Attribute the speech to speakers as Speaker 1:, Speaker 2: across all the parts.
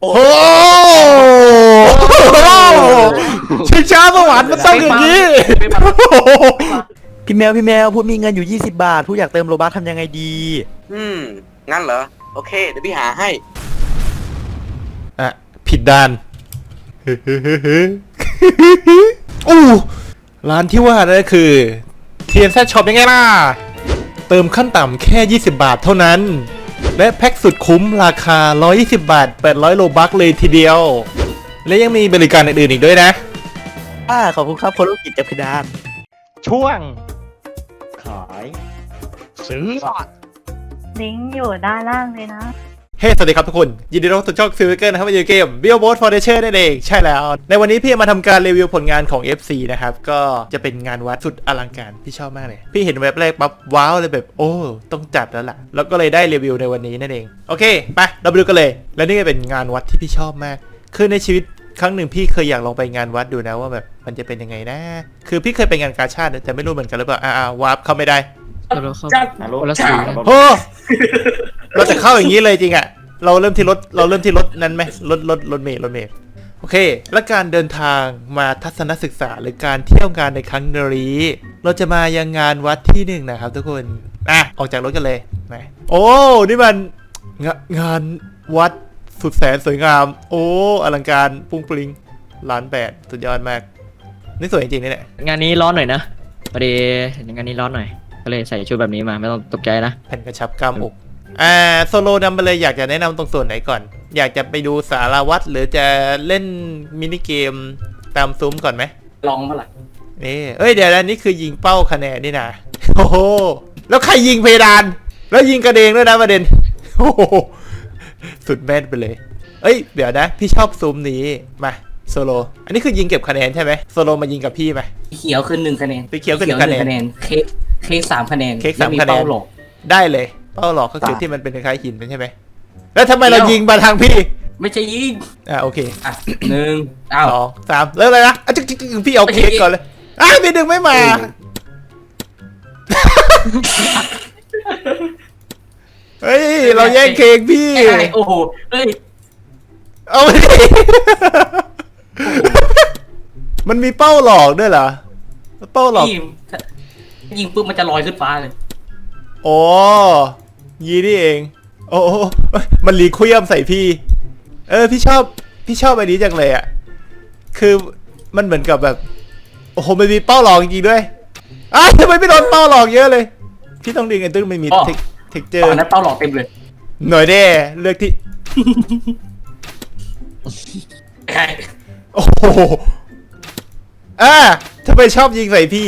Speaker 1: โหชิงช้าสวรรค์มันต้องอย่างนี้พี่แมวพูดมีเงินอยู่20 บาทพูดอยากเติมโลบัคทำยังไงดี
Speaker 2: งั้นเหรอโอเคเดี๋ยวพี่หาให้
Speaker 1: อ่ะผิดด้านอู้ร้านที่ว่านั่นก็คือ TNZ Shop ยังไงล่ะเติมขั้นต่ำแค่20 บาทเท่านั้นและแพ็กสุดคุ้มราคา120 บาท800โลบัคเลยทีเดียวและยังมีบริการอื่นๆอีกด้วยนะขอบคุณครับคนลูกกิจจับเพดานช่วงขายซื้อ
Speaker 3: ลิงก์อยู่ด้านล่างเลยนะ
Speaker 1: สวัสดีครับทุกคนยินดีต้อนรับสู่ช่อง Silver นะครับในเกม Billboard Foundation นั่นเองใช่แล้วในวันนี้พี่มาทำการรีวิวผลงานของ FC นะครับก็จะเป็นงานวัดสุดอลังการพี่ชอบมากเลยพี่เห็นเว็บแรกปั๊บว้าวเลยแบบโอ้ต้องจัดแล้วล่ะแล้วก็เลยได้รีวิวในวันนี้นั่นเองโอเคไปเราไปดูกันเลยและนี่ก็เป็นงานวัดที่พี่ชอบมากคือในชีวิตครั้งหนึ่งพี่เคยอยากลองไปงานวัดดูนะว่าแบบมันจะเป็นยังไงนะคือพี่เคยไปงานกาชาดแต่ไม่รู้เหมือนกันหรือเปล่าวาร์ปเข้าไม่ได้โอ้เราจะเข้าอย่างนี้เลยจริงอะเราเริ่มที่รถนั้นไหมรถเมล์โอเคและการเดินทางมาทัศนศึกษาหรือการเที่ยวงานในครั้งนี้เราจะมายังงานวัดที่หนึ่งนะครับทุกคนออกจากรถกันเลยนะโอ้นี่มันงานวัดสุดแสนสวยงามโอ้อลังการปุ้งปริง1,800,000สุดยอดมากนี่สวยจริงๆนี่แหละ
Speaker 4: งานนี้ร้อนหน่อยนะพอดีงานนี้ร้อนหน่อยก็เลยใส่ชุดแบบนี้มาไม่ต้องตกใจนะ
Speaker 1: แผ่นกระชับกล้ามอกโซโลนำไปเลยอยากจะแนะนำตรงส่วนไหนก่อนอยากจะไปดูสารวัตรหรือจะเล่นมินิเกมตามซุ้มก่อนไหม
Speaker 2: ลองเมื่อไหร่
Speaker 1: นี่เดี๋ยวนี่คือยิงเป้าคะแนนนี่นะโอ้โหแล้วใครยิงเพดานแล้วยิงกระเดงด้วยนะประเด็นโอ้โหสุดแม่นไปเลยเดี๋ยวนะพี่ชอบซุ้มนี้มาโซโลอันนี้คือยิงเก็บคะแนนใช่ไหมโซโลมายิงกับพี่ไหม
Speaker 5: เขียวคือ1 คะแนน
Speaker 1: สีเขียวคือ1 คะแนน
Speaker 5: เค้ก3 คะแนน
Speaker 1: เค้ก3 คะแนนได้เลยเป้าหลอกก็คือที่มันเป็นคล้ายๆหินใช่ไหมแล้วทำไมเรายิงมาทางพี่
Speaker 5: ไม่ใช่ยิง
Speaker 1: โอเค
Speaker 5: 1
Speaker 1: 2 3แล้วอะไรนะพี่เอาเค้กก่อนเลยพี่ดึงไม่มาเฮ้ยเราแย่งเค้กพี่
Speaker 5: โอ้โห
Speaker 1: เอาไปมันมีเป้าหลอกด้วยเหรอเป้าหลอก
Speaker 5: ยิงปุ๊บมันจะลอยขึ้นฟ้าเลย
Speaker 1: โอ้ยีนี่เองโอ้มันรีคุยมใส่พี่พี่ชอบไอ้นี้จังเลยอ่ะคือมันเหมือนกับแบบโอ้โหมันมีเป้าหลอกจริงๆด้วยทำไมไม่โดนเป้าหลอกเยอะเลยพี่ต้องดึงไอ้ตึ้งไม่มีเทคเจอร์
Speaker 5: นั้นเป้าหลอกเต็มเลย
Speaker 1: หน่อยเด้เลือกที่โอ้โหทำไมชอบยิงใส่พี่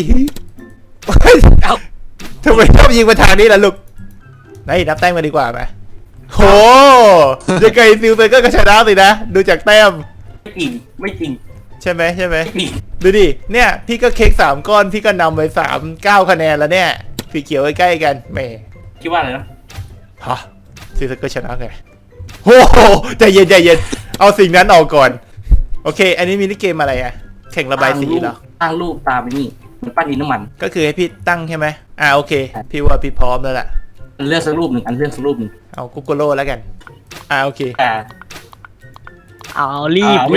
Speaker 1: ทำไมชอบยิงมาทางนี้ล่ะลูกนับแต้มมาดีกว่าไหมโหจะไกลซิลเซอร์ก็ชนะสินะดูจากแต้ม
Speaker 5: ไม่จริง
Speaker 1: ใช่ไหมดูดิเนี่ยพี่ก็เค้ก3 ก้อนพี่ก็นำไป9 คะแนนแล้วเนี่ยสีเขียวใกล้ๆกันแม่
Speaker 5: คิดว่าอะไรนะ
Speaker 1: ซิลเซอร์ก็ชนะไงโอ้โหใจเย็นเอาสิ่งนั้นออกก่อนโอเคอันนี้มินิเกมอะไรอะแข่งระบายสีเหรอ
Speaker 5: ตั้งรูปตามไปนี่มันปั้นดินน้ำมัน
Speaker 1: ก็คือให้พี่ตั้งใช่ไหมโอเคพี่ว่าพี่พร้อมแล้วล่ะ
Speaker 5: เลือกสักรูปหนึ่ง
Speaker 1: เอากุ๊กโกโร่แล้วกันโอเค
Speaker 4: เอารีบ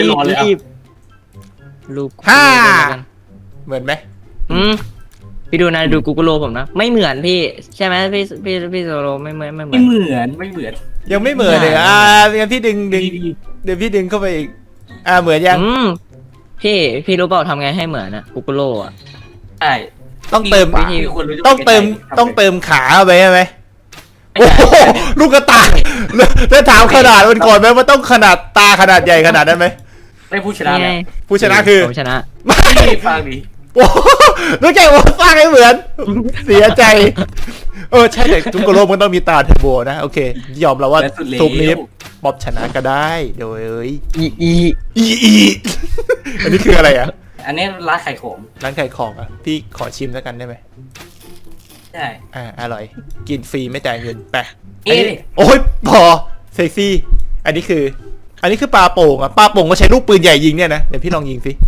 Speaker 4: รูป
Speaker 1: เหมือนไหม
Speaker 4: พี่ดูนะดูกูกูโรผมนะไม่เหมือนพี่ใช่ไหมพี่โซโลไม่เหมือน
Speaker 5: ยังไม่เหมือน
Speaker 1: เลยงั้นพี่ดึงเดี๋ยวพี่ดึงเข้าไปอีกเหมือนยัง
Speaker 4: พี่รู้เปล่าทำไงให้เหมือนนะกูกูโร
Speaker 5: ใช่
Speaker 1: ต้องเติมขาไปใช่ไหมโอ้ลูกกระตาแล้วถามขนาดมันก่อนไหมว่าต้องขนาดตาขนาดใหญ่ขนาดนั้นไหม
Speaker 5: ได้ผู้ชนะแล้ว
Speaker 1: ผู้ชนะคือ
Speaker 4: ชนะ
Speaker 1: ไม่
Speaker 5: ฟังดิ
Speaker 1: โอ้รู้ใจว่าสร้างให้เหมือนเสียใจใช่แต่ทุกโลกมันต้องมีตาเทอร์โบนะโอเคยอมแล้วว่าซุปนี้บ๊อบชนะก็ได้โดยอันนี้คืออะไร
Speaker 5: อันนี้ร้านขายของ
Speaker 1: พี่ขอชิมแล้วกันได้ไหม
Speaker 5: ใช่
Speaker 1: อร่อยกินฟรีไม่จ่ายเงินไปโอ้ยพอเซ็กซี่อันนี้คือปลาโป่งปลาโป่งก็ใช้ลูกปืนใหญ่ยิงเนี่ยนะเดี๋ยวพี่ลองยิงสิ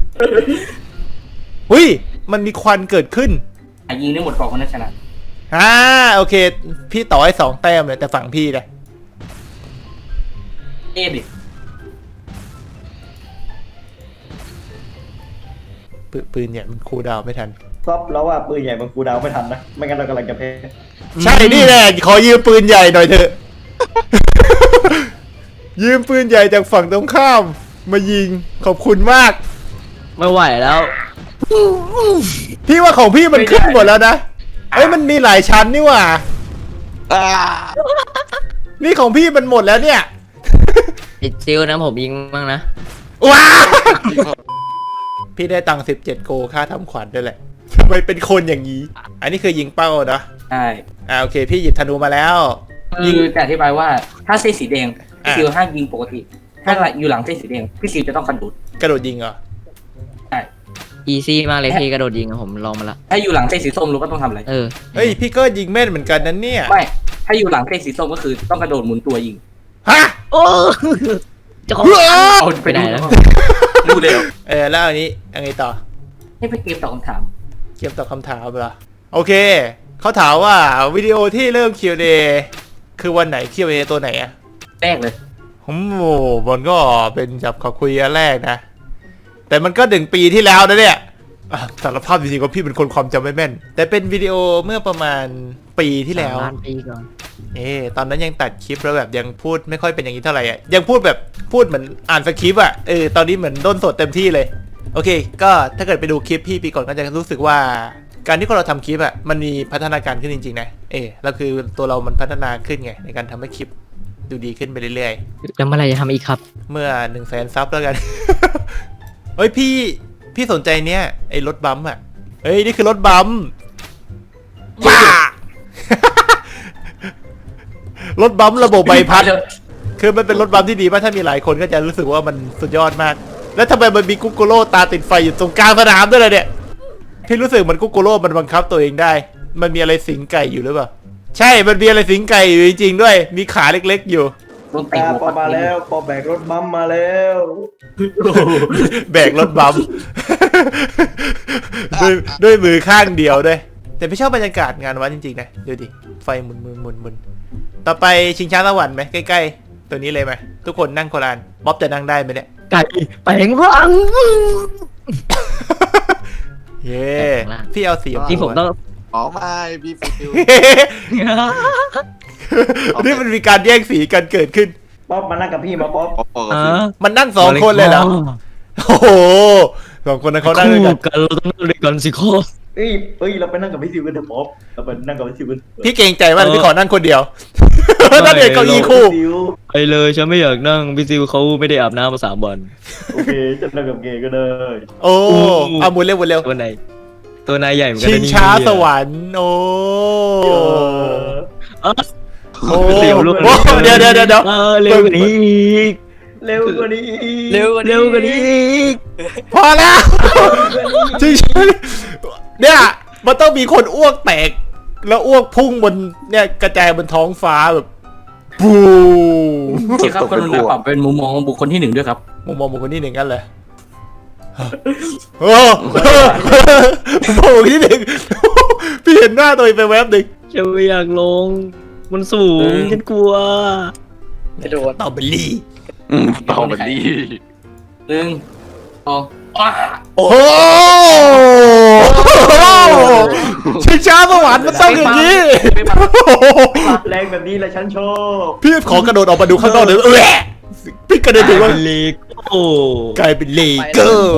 Speaker 1: มันมีควันเกิดขึ้น
Speaker 5: ยิงได้หมดกองคนนั้นชนะ
Speaker 1: โอเคพี่ต่อให้2 แต้มเลยแต่ฝั่งพี่เลย
Speaker 5: ดิ
Speaker 1: ปืนใหญ่มันคูลดาวน์ไม่ทัน
Speaker 6: ก๊อปแล้วว่าปืนใหญ่มันกูดาวไม่ทันนะไม่งั้นเรากำลังจะแพ้
Speaker 1: ใช่นี่แหละขอยืมปืนใหญ่หน่อยเถอะ ยืมปืนใหญ่จากฝั่งตรงข้ามมายิงขอบคุณมาก
Speaker 4: ไม่ไหวแล้ว
Speaker 1: พี่ว่าของพี่มันขึ้นหมดแล้วนะเอ้ยมันมีหลายชั้นนี่หว่านี่ของพี่มันหมดแล้วเนี่ย
Speaker 4: ติดซิลนะผมยิงบ้างนะ
Speaker 1: ว้าพี่ได้ตังค์17 โกค่าทำขวัญด้วยแหละทำไมเป็นคนอย่างนี้ อันนี้คือยิงเป้านะ
Speaker 5: ใช่
Speaker 1: โอเค พี่หยิบธนูมาแล้ว
Speaker 5: คือจะอธิบายว่าถ้าเส้นสีแดง
Speaker 1: อ่ะ
Speaker 5: พี่ซิวห้ามยิงปกติ ถ้าอยู่หลังเส้นสีแดงพี่ซิวจะต้องกระโดด
Speaker 1: กระโดดยิงเหรอ
Speaker 5: ใช่
Speaker 4: อีซี่มากเลยพี่กระโดดยิงอะผมลองมาละ
Speaker 5: ถ้าอยู่หลังเส้นสีส้มรู้ก็ต้องทำอะไร
Speaker 1: เฮ้ยพี่ก็ยิงแม่นเหมือนกันนั้นเนี่ย
Speaker 5: ไม่ถ้าอยู่หลังเส้นสีส้มก็คือต้องกระโดดหมุนตัวยิง
Speaker 1: ฮะ
Speaker 4: โอ้จะของ
Speaker 5: เอา
Speaker 4: ไปไหนแล้ว
Speaker 5: ดูเร็ว
Speaker 1: แล้วอันนี้ยังไงต่อ
Speaker 5: ให้ไปเกมตอบคำถาม
Speaker 1: เกมตอบคำถามเหรอโอเคเขาถามว่าวิดีโอที่เริ่ม Q&A คือวันไหน Q&A ตัวไหนอะ
Speaker 5: แรกเลย
Speaker 1: มันก็เป็นจับขอคุยอันแรกนะ แต่มันก็1 ปีที่แล้วนะเนี่ยสารภาพจริงๆว่าพี่เป็นคนความจำไม่แม่น แต่เป็นวิดีโอเมื่อประมาณปีที่แล้ว
Speaker 4: ล้านปีก่อน
Speaker 1: ตอนนั้นยังตัดคลิปแล้วแบบยังพูดไม่ค่อยเป็นอย่างนี้เท่าไหร่อ่ะยังพูดแบบพูดเหมือนอ่านสคริปต์อ่ะตอนนี้เหมือนด้นสดเต็มที่เลยโอเคก็ถ้าเกิดไปดูคลิปพี่ปีก่อนก็จะรู้สึกว่าการที่เราทำคลิปอ่ะมันมีพัฒนาการขึ้นจริงๆนะแล้วคือตัวเรามันพัฒนาขึ้นไงในการทำให้คลิปดูดีขึ้นไปเรื่อยๆ
Speaker 4: แล้วเมื่อไหรจะทำอีกครับ
Speaker 1: เมื่อ100,000 ซับแล้วกัน เฮ้ยพี่สนใจเนี้ยไอ้รถบัมป์อ่ะนี่คือรถบัมป์บ้า รถบัมป์ระบบใบพัด คือมันเป็นรถบัมป์ที่ดีมากถ้ามีหลายคนก็จะรู้สึกว่ามันสุดยอดมาก แล้วทำไมมันมีกุ๊กโกโร่ตาติดไฟอยู่ตรงกลางสนามด้วยล่ะเนี่ย พี่รู้สึกมันกุ๊กโกโร่มันบังคับตัวเองได้ มันมีอะไรสิงไก่อยู่หรือเปล่า ใช่ มันมีอะไรสิงไก่อยู่จริงๆด้วย มีขาเล็กๆอยู่
Speaker 5: โดนเตะหัว
Speaker 6: ปอมาแล้วปอแบกรถบัมมาแล้ว
Speaker 1: แบกรถบัมป์ ด้วยมือข้างเดียวด้วย แต่ไม่ชอบบรรยากาศงานวัดจริงๆนะดูดิไฟหมุนต่อไปชิงช้าสวรรค์ไหมใกล้ๆตัวนี้เลยไหมทุกคนนั่งโคลานบ๊อบจะนั่งได้ไหมเนี่ย
Speaker 4: ไก่แปลงร่าง
Speaker 1: เย้พี่เอาสี
Speaker 4: ที่ผมต้อง
Speaker 7: อ๋อไม่พี่ฟิว
Speaker 1: นี่มันมีการแย่งสีกันเกิดขึ้น
Speaker 6: ป๊อปมานั่งกับพี่มาป๊อป
Speaker 7: ปอกับฟิว
Speaker 1: มันนั่ง2 คนเลยเหรอโอ้โห2 คนนั้นเขานั่งด้วยกัน
Speaker 4: กันเราต้องนั่งด้วยกันสิโค
Speaker 6: เอ้ยเราไปนั่งกับพี่ซิวกันเถอะป๊อปเราไปนั่งกับพี่ซิวกัน
Speaker 1: พี่เกรงใจมากพี่ขอนั่งคนเดียวนั่งเด็กเก้าอี้คู่
Speaker 6: ซิว
Speaker 4: ไปเลยฉันไม่อยากนั่งพี่ซิวเขาไม่ได้อาบน้ำมา3 วัน
Speaker 6: โอเคจะนั่งกับเกย์ก็ได้
Speaker 1: โอ้เอาหมุนเร็ว
Speaker 4: ตัวนายใหญ่เหมือนกัน
Speaker 1: ชิ
Speaker 4: นะ
Speaker 1: ง
Speaker 4: นี่
Speaker 1: ช้าสวรรค์โอ้
Speaker 4: เออ
Speaker 1: โอ้
Speaker 4: เร็ว
Speaker 1: โอ้เดี๋ยว
Speaker 4: เร็วกว่านี้อีก
Speaker 6: เร็วกว่านี้
Speaker 4: เร็วกว่านี้อีก
Speaker 1: พอแล้วจริงเนี่ยมันต้องมีคนอ้วกแตกแล้วอ้วกพุ่งบนเนี่ยกระจายบนท้องฟ้าแบบปู
Speaker 5: ที่ครับกรุณาปรับเป็นมุมมองของบุคคลที่ 1ด้วยครับ
Speaker 1: มุมมองบุคคลที่1กันเลยโอ้มุมมองบุคคลที่ 1พี่เห็นหน้าตัวเองไปแวบหนึ่ง
Speaker 4: ฉันไม่อยากลงมันสูงฉันกลัว
Speaker 2: กระโดด
Speaker 1: ต่อไปลี
Speaker 7: ต่อมันดี
Speaker 5: 1 2อ้า
Speaker 1: โอ้โหชิงช้าสวรรค์มันต้องอย่างนี้
Speaker 6: แรงแบบนี้แหละฉันชอบ
Speaker 1: พี่ขอกระโดดออกมาดูข้างนอกเลยพี่กระเด็นถึงว่า
Speaker 4: เป็นเลโก้
Speaker 1: กลายเป็นเลเกอร์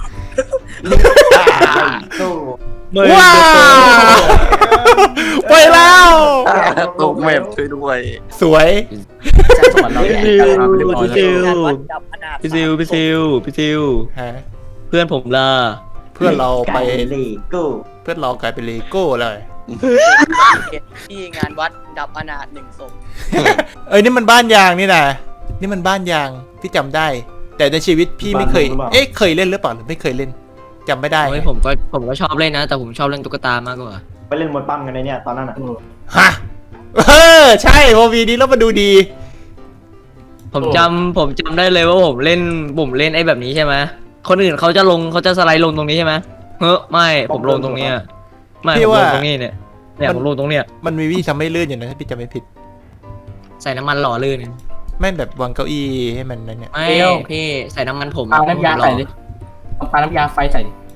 Speaker 6: โอ้
Speaker 1: ว้าวไปแล้ว
Speaker 7: ตกแมพช่วยด้วย
Speaker 1: สวย
Speaker 5: แจ็คสวรรค์เรา
Speaker 4: พี่
Speaker 5: เนี่ย
Speaker 4: ซิว
Speaker 5: มาเรียบร้อยแล้ว
Speaker 4: พี่ซิว
Speaker 1: ฮะ
Speaker 4: เพื่อนผมล่ะ
Speaker 1: เพื่อนเราไป
Speaker 6: เลโก้
Speaker 1: เพื่อนเรากลายเป็นเลโก้เลย
Speaker 8: ที่งานวัดดับอนาถ1 ศพ
Speaker 1: นี่มันบ้านยางนี่นะนี่มันบ้านยางพี่จำได้ แต่ในชีวิตพี่ไม่เคยเคยเล่นหรือเปล่าหรือไม่เคยเล่นจำไม่ได้
Speaker 4: โอ้ยผมก็ชอบเล่นนะ แต่ผมชอบเล่นตุ๊กตามากกว่า
Speaker 6: ไปเล่นมวยปั้มกันในเนี่ยตอนนั้นอ่ะ
Speaker 1: ฮะใช่พอวีนี้แล้วมาดูดี
Speaker 4: ผมจำได้เลยว่าผมเล่นไอ้แบบนี้ใช่ไหมคนอื่นเขาจะสไลด์ลงตรงนี้ใช่ไหมไม่ผมลงตรงเนี้ยไม่ผมลงตรงนี้เนี่ยผมลงตรงเนี้ย
Speaker 1: มันมีวิธีทำให้ลื่นอยู่นะถ้าพี่จำไม่ผิด
Speaker 4: ใส่น้ำมันหล่อลื่น
Speaker 1: แม่นแบบวางเก้าอี้ให้มันนั่นเนี่ย
Speaker 4: ไม่พี่ใส่น้ำมันผม
Speaker 5: ปาน้ำยาใส่เลยปาน้ำยาไฟใส่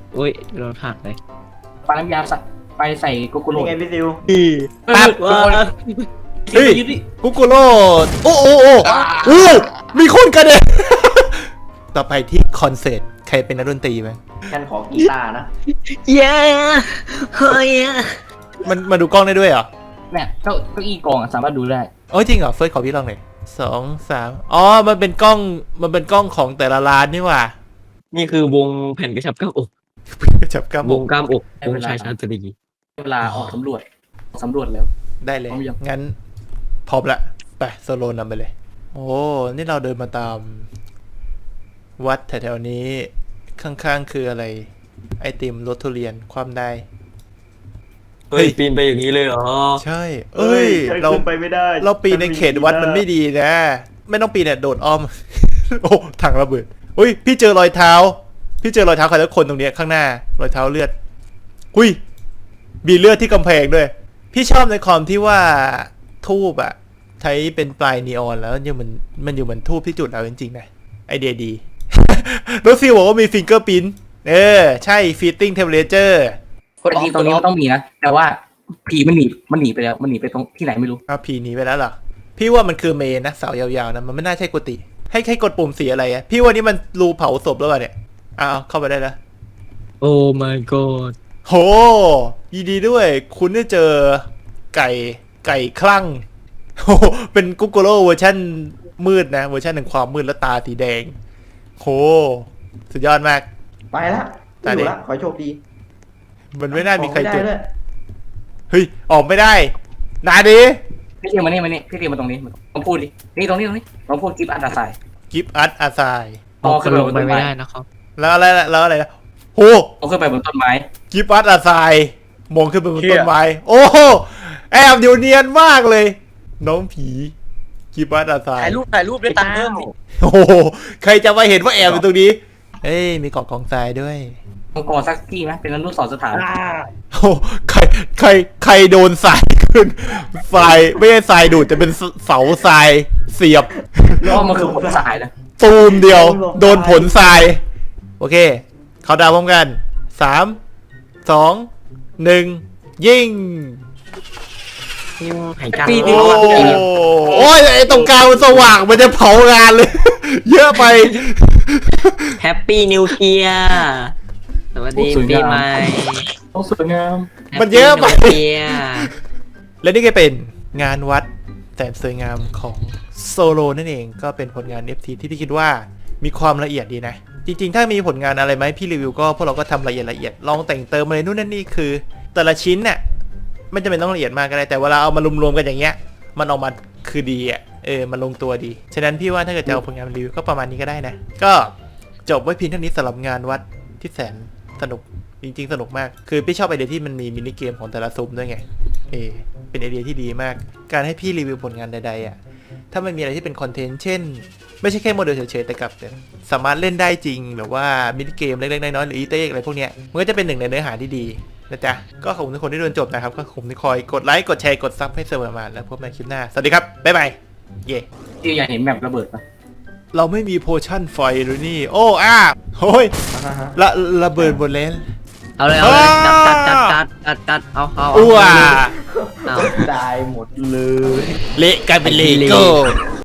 Speaker 4: อุ้ยโดนหักเลย
Speaker 5: ปาน้ำยาใส่ไปใส่โกโก้โร
Speaker 6: นี่ไงพี่ซิว
Speaker 1: ปั๊บ
Speaker 4: ว้า
Speaker 1: เฮ้ย กุกุโร่โอ้โอ้โอ้โอ้มีคนกระเด็น ต่อไปที่คอนเสิร์ตใครเป็นนักดนตรีไหม
Speaker 6: ฉันขอกีตาร์นะ
Speaker 4: เย้เฮ้ย
Speaker 1: มันมาดูกล้องได้ด้วยเหรอ
Speaker 5: เนี่ยเก้าอี้กองสามารถดูได้
Speaker 1: โอ้ยจริงเหรอเฟิร์สขอพี่ลองหน่อย2 3อ๋อมันเป็นกล้องของแต่ละร้านนี่หว่า
Speaker 4: นี่คือวงแผ่นกระชับกล้ามอก
Speaker 1: จับกล้าม
Speaker 4: วงกล้ามอกวงชายชาตรี
Speaker 5: เวลาออกสำรวจแล้ว
Speaker 1: ได้เลย
Speaker 5: พร้อมยัง
Speaker 1: งั้นพร้อมละไปโซโลนำไปเลย โอ้นี่เราเดินมาตาม วัดแถวๆนี้ข้างๆคืออะไร ไอติมรสทุเรียนความได้
Speaker 4: เฮ้ยปีนไปอย่างนี้เลยเหรอ
Speaker 1: ใช่ เอ้ย
Speaker 6: ฉัน
Speaker 1: เรา
Speaker 6: ขึ้นไปไม่ได้
Speaker 1: เราปีนในเขตวัดมันไม่ดีนะ ไม่ต้องปีนเนี่ยโดดอ้อม โอ้ถังระเบิดอุ้ยพี่เจอรอยเท้า พี่เจอรอยเท้าใครแล้วคนตรงเนี้ยข้างหน้ารอยเท้าเลือดหุยมีเลือดที่กำแพงด้วย พี่ชอบในความที่ว่าทูบอะใช้เป็นปลายนีออนแล้วยังมันอยู่เหมือนทูบที่จุดเอาจริงๆนะไอเดียดี รถซิลบอกว่ามีฟิงเกอร์พิ้นใช่ฟีตติ้งเทมเพลเจอร์
Speaker 5: คนตรงนี้ก็ต้องมีนะ แต่ว่าผีมันหนีไปแล้วมันหนีไปตรงที่ไหนไม่รู้
Speaker 1: อ้าวผีหนีไปแล้วเหรอ พี่ว่ามันคือเมนนะเสายาวๆนะมันไม่น่าใช่กุฏิให้กดปุ่มสีอะไรอะพี่ว่านี่มันรูเผาศพแล้วป่ะเนี่ยอ้าวเข้าไปได้แล้ว
Speaker 4: โอ้ my god
Speaker 1: โหยินดีด้วย คุณได้เจอไก่คลั่งโหเป็นกุ๊กโกโร่เวอร์ชันมืดนะเวอร์ชันแห่งความมืดและตาสีแดงโหสุดยอดมาก
Speaker 6: ไปละไม่อยู่ละขอให้โชคดี
Speaker 1: มันไม่น่ามีใคร
Speaker 6: ออก
Speaker 1: เจอ
Speaker 6: ได้ด้วย
Speaker 1: เฮ้ยออกไม่ได้นาดี
Speaker 5: พี่เรียมานี่พี่เรียมาตรงนี้ลองพูดดินี่ตรงนี้ลองพูดกิฟต์อันดาไซ
Speaker 1: กิฟอัดอาซาย
Speaker 5: ต่อขึ้นไป
Speaker 4: ล
Speaker 5: บ
Speaker 4: ง
Speaker 5: น
Speaker 4: ไป
Speaker 5: ต้น
Speaker 4: ไม่
Speaker 5: ไม้
Speaker 4: ได้นะครับ
Speaker 1: แล้วอะไรนะโห
Speaker 5: ต่อขึ้นไปบนต้นไม้
Speaker 1: กิฟอัดอาซายมองขึ้นไปบนต้นไม้โอ้โหแอบอยู่เนียนมากเลย น้องผีกิฟอัดอาซาย
Speaker 8: ถ่ายรูปด้วยตังค์เพิ่มดิ
Speaker 1: โอ้โหใครจะมาเห็นว่าแอบอยู่ตรงนี้ เอ้ย มีเกาะกองทรายด้วย
Speaker 5: มังกรสักที่ไหมเป็นอนุสรณ์สถาน
Speaker 1: โอ้ใครโดนทรายขึ้นทรายไม่ใช่ทรายดูดแต่เป็นเสาทรายเสียบ
Speaker 5: แล้วมันคือผลสายนะ
Speaker 1: ตูมเดียว โดนผลทราย โอเค เขาดาวพร้อมกัน 3 2 1 ยิง
Speaker 4: หายใจ
Speaker 5: ปี
Speaker 1: โอ้โอ้ยไอ้ตรงกลางมันสว่างมันจะเผางานเลย เยอะไป
Speaker 4: แฮปปี้นิวเยียร์สวัสดีปีใหม่
Speaker 5: ต้องสวยงาม
Speaker 1: มันเยอะไป
Speaker 4: Happy New Year
Speaker 1: และนี่ก็เป็นงานวัดแสนสวยงามของโซโลนั่นเองก็เป็นผลงาน FT ที่พี่คิดว่ามีความละเอียดดีนะ จริงๆ ถ้ามีผลงานอะไรไหมพี่รีวิวก็พวกเราก็ทำละเอียดลองแต่งเติมอะไรนู่นนั่นนี่คือ แต่ละชิ้นเนี่ยไม่จำเป็นต้องละเอียดมากก็ได้แต่เวลาเอามารวมๆกันอย่างเงี้ยมันออกมาคือดีอ่ะมันลงตัวดีฉะนั้นพี่ว่าถ้าเกิดจะเอาผลงานมารีวิวก็ประมาณนี้ก็ได้นะก็จบไว้เพียงเท่านี้สำหรับงานวัดที่แสนสนุกจริงๆสนุกมากคือพี่ชอบไอเดียที่มันมีมินิเกมของแต่ละซุ้มด้วยไงเป็นไอเดียที่ดีมากการให้พี่รีวิวผลงานใดๆอ่ะถ้ามันมีอะไรที่เป็นคอนเทนต์เช่นไม่ใช่แค่โมเดลเฉยๆแต่กับสามารถเล่นได้จริงหรือว่ามินิเกมเล็กๆน้อยๆหรืออีเต้อะไรพวกเนี้ยมันก็จะเป็นหนึ่งในเนื้อหาที่ดีนะจ๊ะก็ขอบคุณทุกคนที่ดูจนจบนะครับก็ขอบคุณที่คอยกดไลค์กดแชร์กดซับให้เสมอมาแล้วพบกันในคลิปหน้าสวัสดีครับบ๊ายบายเย่
Speaker 5: ที่อยากเห็นแบบระเบิดปะ
Speaker 1: เราไม่มีโพชั่นไฟหรือนี่โอ้โอ้ยระเบิดหมดแล้ว
Speaker 4: เอาเลยจัดเอา
Speaker 1: อ้ว
Speaker 4: เอา
Speaker 6: ได้หมดเลย
Speaker 1: เละกลายเป็นเลโก้